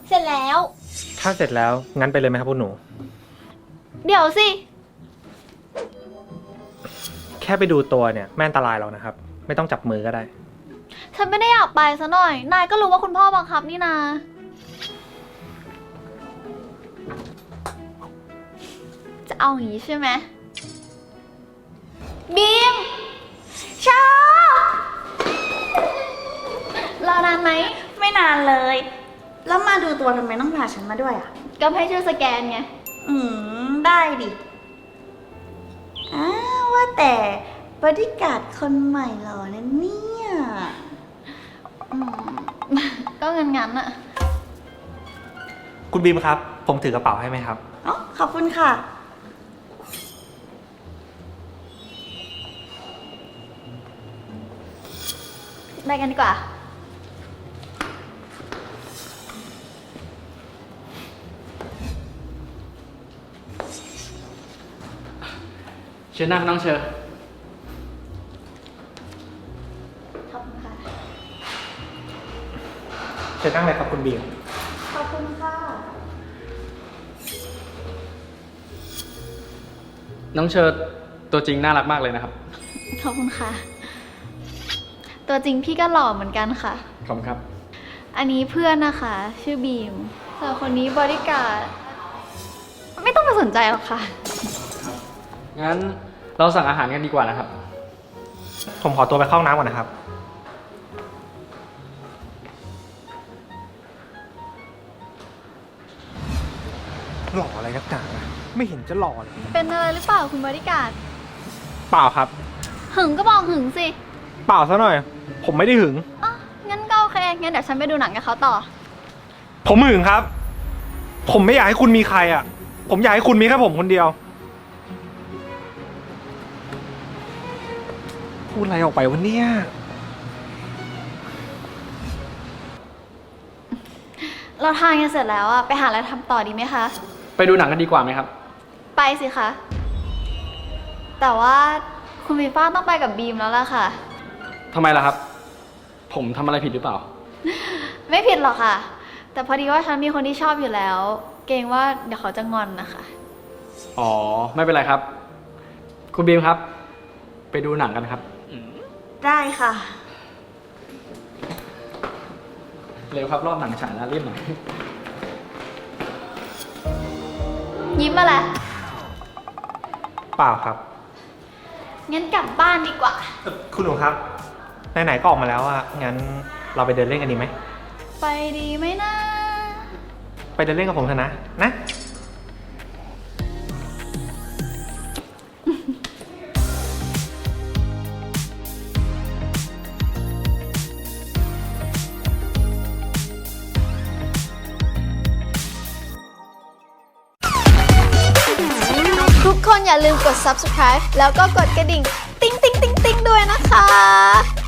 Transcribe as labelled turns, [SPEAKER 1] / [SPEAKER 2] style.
[SPEAKER 1] เสร็จแล้ว
[SPEAKER 2] ถ้าเสร็จแล้วงั้นไปเลยไหมครับคุณหนู
[SPEAKER 1] เดี๋ยวสิ
[SPEAKER 2] แค่ไปดูตัวเนี่ยไม่อันตรายหรอกนะครับไม่ต้องจับมือก็ได้
[SPEAKER 1] ฉันไม่ได้อยากไปซะหน่อยนายก็รู้ว่าคุณพ่อบังคับนี่นาจะเอาอย่างนี้ใช่ไหมบีมชารอนานไหม
[SPEAKER 3] ไม่นานเลย แล้วมาดูตัวทำไมต้องพาฉันมาด้วยอ่ะ
[SPEAKER 1] ก็ให้ช่วยสแกนไง
[SPEAKER 3] ได้ดิว่าแต่บอดี้การ์ดคนใหม่เหรอนะเนี่ย
[SPEAKER 1] ก็งั้นอะ
[SPEAKER 2] คุณบีมครับผมถือกระเป๋าให้ไหมครับ
[SPEAKER 3] อ๋อขอบคุณค่ะ
[SPEAKER 1] ไปกันดีกว่า
[SPEAKER 4] เชิญนั่งน้องเชอร์
[SPEAKER 1] ขอบคุณค่ะ
[SPEAKER 2] เชิญนั่งเลยครับคุณบีม
[SPEAKER 3] ขอบคุณค่ะ
[SPEAKER 4] น้องเชอร์ตัวจริงน่ารักมากเลยนะครับ
[SPEAKER 1] ขอบคุณค่ะตัวจริงพี่ก็หล่อเหมือนกันค่ะ
[SPEAKER 4] ขอบคุณครับ
[SPEAKER 1] อันนี้เพื่อนนะคะชื่อบีมส่วนคนนี้บอดี้การ์ดไม่ต้องไปสนใจหรอกค่ะ
[SPEAKER 4] งั้นเราสั่งอาหารกันดีกว่านะครับ
[SPEAKER 2] ผมขอตัวไปเข้าห้องน้ำก่อนนะครับหล่ออะไรนักหนาไม่เห็นจะหล่อเลย
[SPEAKER 1] เป็นอะไรหรือเปล่าคุณบอดี้การ์ด
[SPEAKER 2] เปล่าครับ
[SPEAKER 1] หึงก็บอกหึงสิ
[SPEAKER 2] เปล่าซะหน่อยผมไม่ได้หึง
[SPEAKER 1] อ๋องั้นก็โอเคงั้นเดี๋ยวฉันไปดูหนังกับเขาต่อ
[SPEAKER 2] ผมหึงครับผมไม่อยากให้คุณมีใครอ่ะผมอยากให้คุณมีแค่ผมคนเดียวพูดอะไรออกไปวะเนี่ย
[SPEAKER 1] เราทานกันเสร็จแล้วอะไปหาอะไรทำต่อดีไหมคะ
[SPEAKER 4] ไปดูหนังกันดีกว่าไหมครับ
[SPEAKER 1] ไปสิคะแต่ว่าคุณฟีฟ้าต้องไปกับบีมแล้วล่ะค่ะ
[SPEAKER 4] ทำไมล่ะครับผมทำอะไรผิดหรือเปล่า
[SPEAKER 1] ไม่ผิดหรอกค่ะแต่พอดีว่าฉันมีคนที่ชอบอยู่แล้วเกรงว่าเดี๋ยวเขาจะงอนนะคะ
[SPEAKER 4] อ๋อไม่เป็นไรครับคุณบีมครับไปดูหนังกันครับ
[SPEAKER 3] ได้ค่ะ
[SPEAKER 4] เร็วครับรอบหนังฉายแล้วรีบหน่อย
[SPEAKER 1] ยิ้มมาแหละ
[SPEAKER 2] เปล่าครับ
[SPEAKER 1] งั้นกลับบ้านดีกว่า
[SPEAKER 2] คุณหนูครับไหนๆก็ออกมาแล้วอะงั้นเราไปเดินเล่นกันดีไหม
[SPEAKER 1] ไปดีไหมนะ
[SPEAKER 2] ไปเดินเล่นกับผมเถอะนะ
[SPEAKER 1] ทุกคนอย่าลืมกด subscribe แล้วก็กดกระดิ่งติ๊งติ๊งติ๊งติ๊งด้วยนะคะ